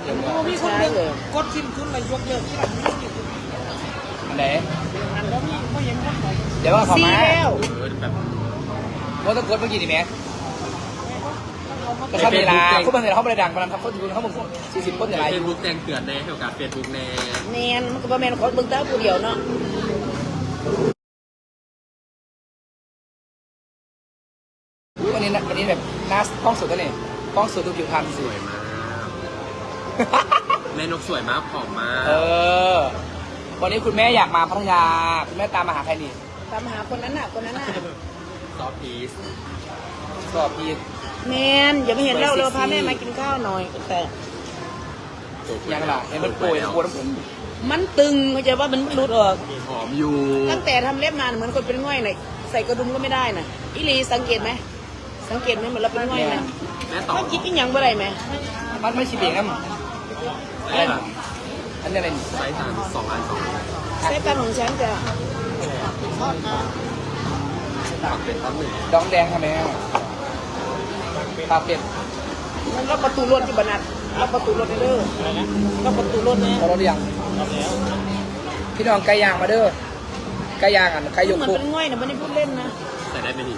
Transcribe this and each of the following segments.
มีคนเลิกกดสิ้นทุนเลยยกเลิกที่หลังนี่อันไหนอันแล้วมีเขายังคนไหนเดี๋ยวว่าเขามาแบบว่าต้องกดเมื่อกี้นี่แม่ก็ทำเวลาเขาเป็นเวลาเขาบริดังมาทำเขาดูเขาหมด40 คนอย่างไรเฟซบุ๊กแจ้งเตือนในเกี่ยวกับเฟซบุ๊กในแมนมันก็ประมาณคนเบิ่งตาผู้เดียวเนาะวันนี้แบบหน้ากล้องสดตัวนี้กล้องสดดูผิวพรรณสสววย ยมากแม่นกสวยมากผอมมากวันนี้คุณแม่อยากมาพัทยาคุณแม่ตามมาหาใครนี่ตามหาคนนั้นน่ะคนนั้นน่ะซอฟพีสสอบพีแมนอย่าไม่เห็นเราพาแม่มากินข้าวหน่อยแต่ยังล่ะเห็นมันโปรยปวดน้ำผมมันตึงเข้าใจว่ามันรุดออกหอมอยู่ตั้งแต่ทำเล็บมาเหมือนคนเป็นง่อยน่ะใส่กระดุมก็ไม่ได้น่ะอีลีสังเกตไหมสังเกตไหมเหมือนเราเป็นง่อยไหมแม่ต่อเขาคิดอีหยังบ่ได้ไหมมันไม่ชิบเองนะอะไรนะอันนี้อะไรนี่ไซส์2 อันใช้ตาของฉันจะปักเป็นตั้งหนึ่งดองแดงทำไมปลาเป็ดมันล็อกประตูรถที่บรรนัดล็อกประตูรถเด้อล็อกประตูรถนะพอรถหรือยังพี่น้องไก่ย่างมาเด้อไก่ย่างอ่ะไก่ยกเหมือนคุกเป็นง่อยนะไม่ได้พูดเล่นนะใส่ได้ไหมนี่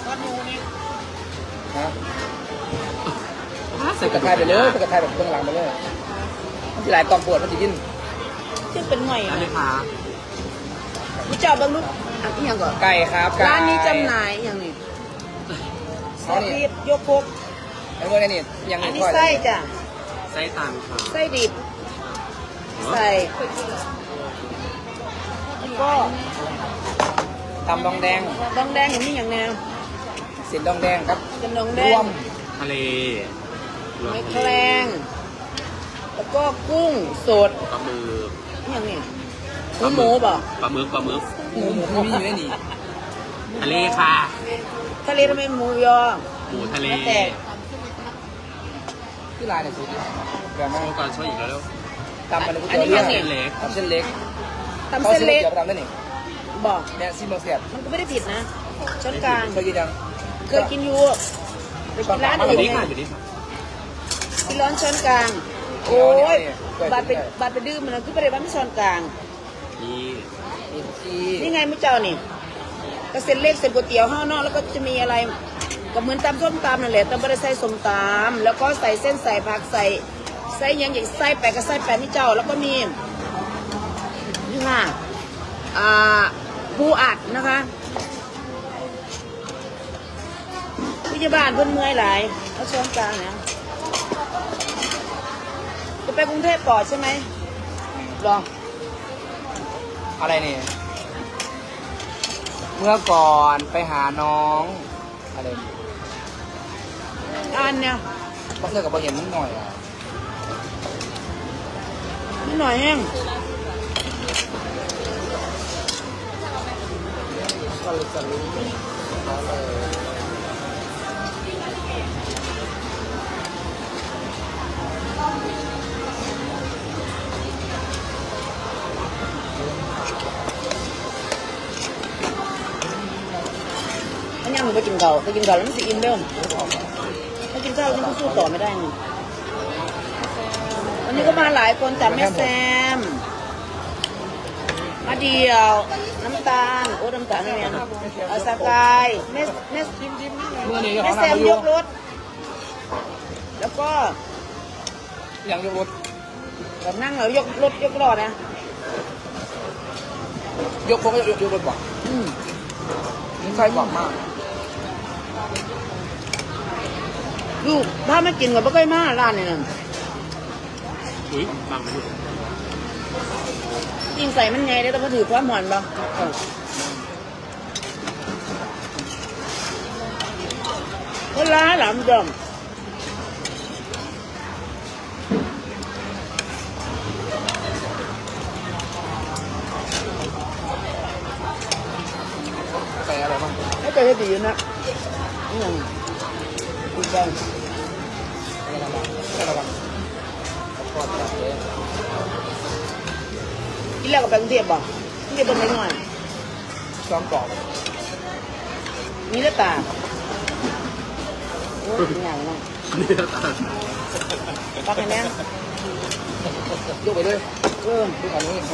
ฮะใส่กระทายไปเลยใส่กระทายแบบเบื้องหลังไปเลยมันจะหลายตอนปวดมันจะยิ่งซึ่งเป็นง่อยได้นะไหมคะพี่เจ้าบางลูกอ่ะอีหยังก่อนไก่ครับไก่ร้านนี้จำหน่ายอย่างนี้ซอสพริกยกพกไอ้พวกนี้นี่ยังอันนี้ค่อยไส้จ้ะไส้ตันค่ะไส้ดิบใส่แล้วก็ตำดองแดงดองแดงอย่างนี้อย่างแนวเส้นดองแดงครับเป็นดองแดรง วมทะเลไม่แคลงแล้วก็กุ้งสดปลาหมึกอหย่างนี้หมูป่ะปลาหมึกหมูไม่มีอยู่ในนี้ทะเลค่ะทะเลทำไมหมูยอหมูทะเลแล้วแต่ที่ลายเนี่ยสุดแบบมาโชว์ก่อนโชว์อีกแล้วเร็วตำมันเลยก๋วยเตี๋ยวเรือเส้นเล็กตำเส้นเล็กตำเส้นเล็กเดี๋ยวไปทำได้นี่บอกเนี่ยซิมโบเสียบมันก็ไม่ได้ผิดนะช้อนกลางเคยกินยังเคยกินอยู่ไปกินร้านออื่ยู่นนี่ไงค่ะอยู่นี่ค่ะกินร้อนช้อนกลาง โอ้ยบาดไปดื้อมันนะคือไปได้บ้านช้อนกลางนี่กินที่นี่ไงมุ้เจ้านี่ก็เส้นเล็กเส้นก๋วยเตี๋ยวห้าวนอกแล้วก็จะมีอะไรก็เหมือนตำส้มตำนั่นแหละแต่ไม่ได้ใส่ส้มตำแล้วก็ใส่เส้นใส่ผักใส่อยังอย่างไส้แปะกับไส้แปะนี่เจ้าแล้วก็มีนี่ค่ะปูอัดนะคะพยาบาลเพิ่นเมื่อยหลายแล้วช้อนกลางนะจะไปกรุงเทพก่อนใช่ไหมรออะไรนี่เมื่อก่อนไปหาน้องอะไรอันเนี่ยต้องเลือกกับบะเห็นนิดหน่อยอ่ะนิดหน่อยแห้งก็เลยจะรู้อันนี้หนูไปกินเก่าไปกินเก่าแล้วมันจะอิ่มเร็วถ้ากินข้าวฉันก็สู้ต่อไม่ได้ไงวันนี้ก็มาหลายคนจากแม่แซมมาเดียว น้ำตาลโอ้น้ำตาลนี่เนี่ยเอาสกายแม่เมื่อนี้แม่เขาแซทำมมาย อยู่กรถ แล้วก็ยังยกรถแบบนั่งแล้วยกรถยกล้อนะยกพวกก็ยกรถบ่ะอืมนี่ใช่กว่ามากลูกถ้าไม่กินก็ไม่ค่อยมาร้านนี่นั่นอุ้ยบังไม่อยู่ยิงใส่มันไงได้แต่พอถือความหอนบ่เวลาหลามจอมใส่อะไรบ้างไม่เคยให้ดีอยู่นะนี่ยังดีใจใส่ระวังก่อนจับเลยกินแล้วกับไปกรุงเทพบ่กรุงเทพเป็นไงหน่อยซ้อมกรอบมีแล้วตาโอ้ยกินอย่างนั้นเนื้อตาลปักให้แน่ยกไปเลยเออดูฝั่งนี้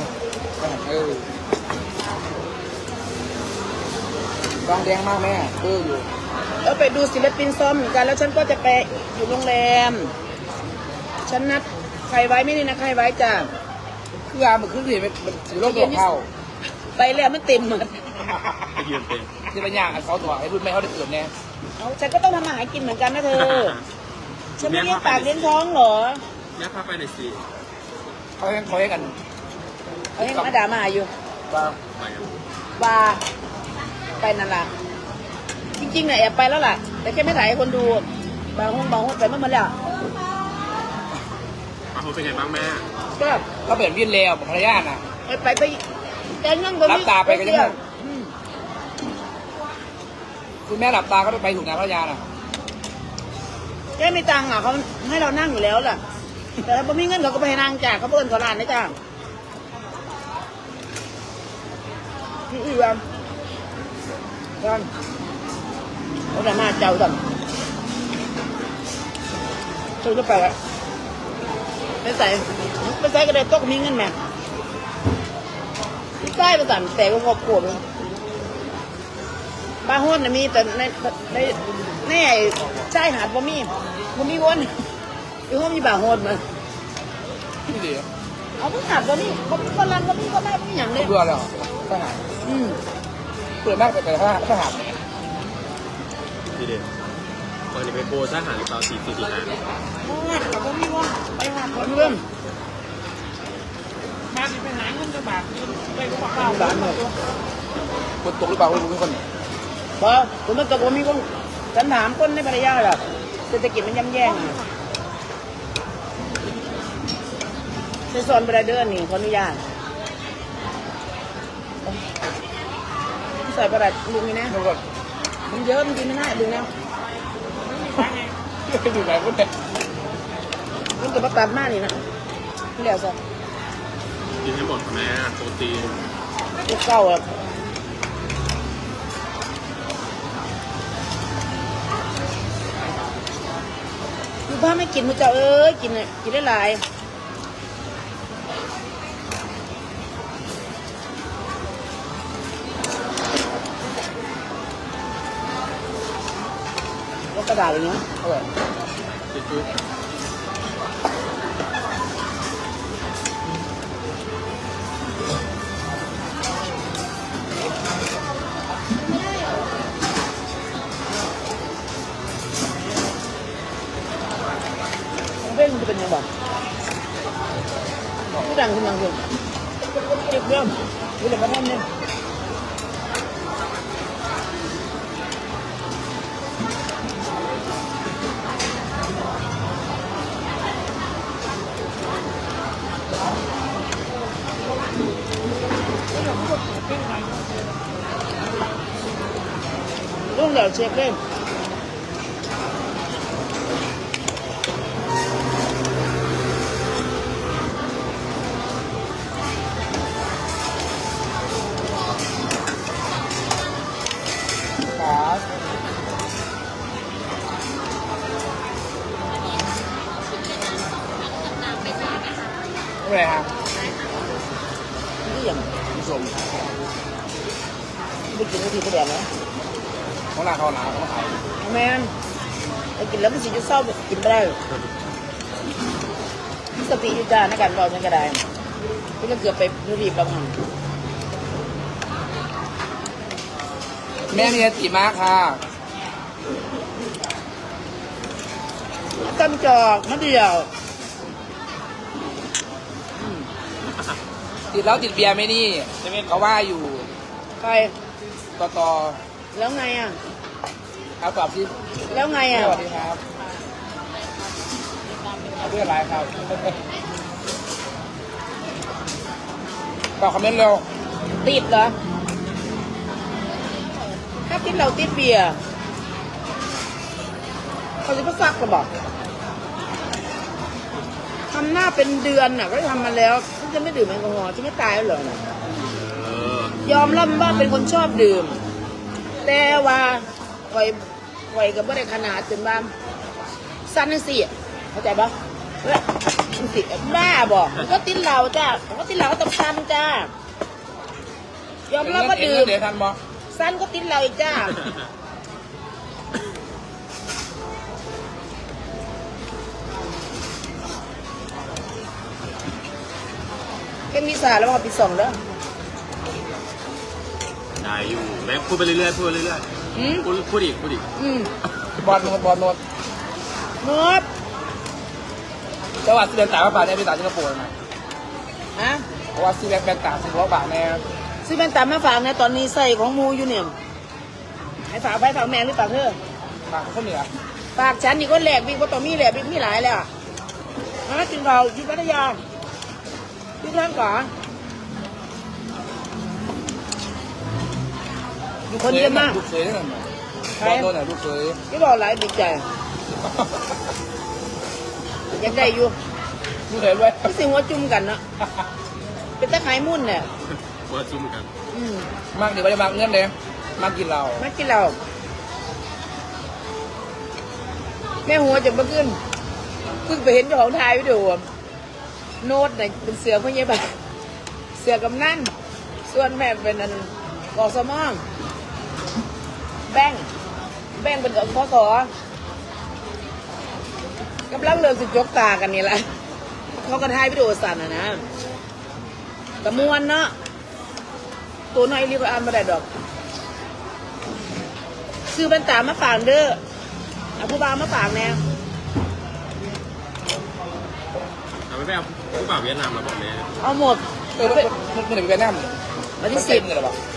บางแดงมากแม่อยู่แล้วไปดูศิลปินซ้อมเหมือนกันแล้วฉันก็จะไปอยู่โรงแรมฉันนัดใครไว้ไม่นี่นะใครไว้จ้ะคืออามันขึ้นสิมันถือโรคตัวเข้าไปแล้วมันเต็มหมดไปยืนเป็นที่เป็นอย่างเขาถอดให้รุ่นแม่เขาได้เกิดแน่เอาฉันก็ต้องทำอาหารกินเหมือนกันนะเธอฉันไม่เลี้ยงปากเลี้ยงท้องเหรอแม่พาไปหน่อยสิเขาให้กันเอาให้มาด่ามาอยู่ว่าไปอ่ะบาร์ไปนั่นล่ะจริงๆเนี่ยแอบไปแล้วล่ะ แต่แค่ไม่ถ่ายให้คนดูบางห้องไปเมื่อมันแล้วเขาเป็นไงบ้างแม่ก็เขาเปลี่ยนวินแล้วภรรยาน่ะไปแต่นั่งตรงรันี้บตาไปก็ยังไงอืมคุณแม่หลับตาก็ไปถูกงานภรรยาน่ะแค่ไม่ตังค์อ่ะเขาให้เรานั่งอยู่แล้วล่ะ แต่ถ้าไม่มีเงินเขาก็ไปให้นั่งจ่ายเขาเพิ่นขอร้านนะจ้าอีวันวันเขาแต่มาเจ้าดำเจ้าจะไปละไม่ใส่ก็ได้โต๊ะมีเงินแม่ใส่ประสานแต่ก็ครอบครัวเลยบ้านห้นน่ะมีแต่ในใช่หาดบ่มีวนอยู่ห้องมีบ้านห้นมาที่ดีเอาเพิ่งหาดบ่มีฝรั่งบ่มีก็ได้ไม่อย่างเลยเบื่อแล้วทหารอืมเปิดมากแต่ทหารทีเดียวตอนนี้ไปโบทหารหรือเปล่า445 หาดบ่มีวนไปหาดบ่มีวนบ้านเลยคนตกหรือเปล่าคุณคนบ่ผมมันตกบ่มีวนฉันถามคนในภรรยาล่ะเศรษฐกิจมันย่ำแย่ในซอนบราเดอร์นี่ขออนุญาตใส่ประหลัดลุงนี่นะทุกคนมันเยอะมันกินไม่ได้ลุงนะอยู่ไหนคนเนี่ยมันจะมาตัดหน้านี่นะเรียกซะกินให้หมดค่ะแม่โปรตีนลูกเก้าอ่ะลูกบ้าไม่กินมือเจ้าเอ้ยกินเลยกินได้หลายแล้วกระดาษอย่างเงี้ยเออจุ๊บเว้นจะเป็นยังไงผู้ดังขึ้นยังขึ้นเก็บเรื่องดูเลยมาทำเนี่ยรุ่งเดี๋ยวเช็คเล่นครับอะไรฮะนี่อย่างผู้ชมไปกินทีก็แดงนะของร้านเขาหนาเขาขายแมนไปกินแล้วมันสิจะเศร้ากินไปได้มีสติอยู่จ้าในการบอกฉันก็ได้พี่ก็เกือบไปรีบประมาณแม่มีอติมากค่ะตั้มจอกมะเดียวติดแล้วติดเบียร์ไหมนี่เขาว่าอยู่ไปต่อแล้วไงอ่ะเอาตอบที่แล้วไงสอ่ะวัสดีครับเอาเพื่อนไลน์ครับตอบคอมเมนต์เร็วติดเหรอถ้าติดเราติดเบียร์เขาจะมาซักกระบอกทำหน้าเป็นเดือนน่ะก็ทำมาแล้วฉันจะไม่ดื่มแอลกอฮอล์ฉันไม่ตายแล้วเหรอน่ะ ยอมรับว่าเป็นคนชอบดื่ม แต่ว่าไฟกับไม่ได้ขนาดจนบ้าสั้นนั่นสิเข้าใจปะเฮ้ยมันติดบ้าบอกมันก็ติดเหล้าจ้ามันก็ติดเหล้าก็ต้องซันจ้า ยอมรับว่าดื่มเดี๋ยวทันบอซันก็ติดเหล้าอีกจ้า เป็นวิสาแล้วพอปีสองแล้วได้อยู่แม่พูดไปเรื่อยๆพูดไปเรื่อยอืมๆพูดอีกบอลโนดนบจังหวัดสิบเอ็ดตากบาทเนี่ยเป็นตากสิงคโปร์นะฮะเพราะว่าซื้อแบงค์ตาก10 บาทแน่ซื้อเป็นตามมาฝากนะตอนนี้ใส่ของมูอยู่เนี่ยให้ฝากไปฝากแม่หรือฝากเธอฝากคนเหนือฝากฉันนี่ก็แหลกบิ๊กว่าต่อมีแหลกบิ๊กมีหลายเลยอ่ะฮะกินเราอยู่พัทยาอยู่ท่านก่อนอยู่คนเดียวมากลูกเคยนั่นน่ะบอลโนดน่ะลูกเคยไม่บอกหลายดีใจยังได้อยู่ลูกเคยด้วยก็สิหัวจุ่มกันเนาะเป็นตะไคร้มุ่นเนี่ยว่าจุ่มกันอืมมากดีไม่ได้มากเงินเลยมากกินเรามากินเราแม่หัวจะมาขึ้นเพิ่งไปเห็นเจ้าของถ่ายวิดีโอโน้ตเนี่ยเป็นเสือพวกนี้แบบเสือกำนั่นส่วนแม่เป็นอันกอสมองแบ่งเป็นกับข้อขอกำลังเริ่มสิจกตากันนี่แหละเขาก็ถ่ายวิดีโอสั่นนะกระมวลเนาะตัวน้อยรีบอ่านมาได้ดอกซื้อเป็นตามาฝากเด้อเอาผู้บ่าวมาฝากแน่เอาไปเอาผู้บ่าวเวียดนามมาบอกแม่เอาหมดมันถึงเวียดนามวันที่10 เลยหรอปะ